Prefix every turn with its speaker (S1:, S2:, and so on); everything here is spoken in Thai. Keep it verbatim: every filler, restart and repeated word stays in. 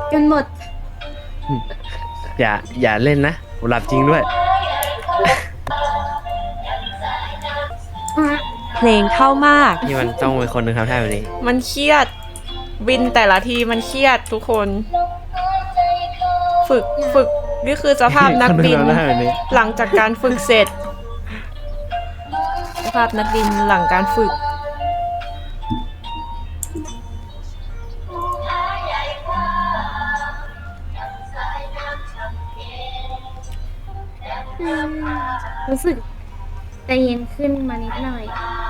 S1: จนหมด
S2: อย่าอย่าเล่นนะหลับจริงด้วย
S3: เพลงเข้ามาก
S2: นี่มันต้องเป็นคนหนึ่งทำท่าแบบนี้
S4: มันเครียดบินแต่ละทีมันเครียดทุกคน ฝึกฝึกนี่คือสภาพนักบิน
S2: คนหนึ่งทำท่าแบบนี้
S4: หลังจากการฝึกเสร็จ สภาพนักบินหลังการฝึก
S1: รู้สึกใจเย็นขึ้นมานิดหน่อย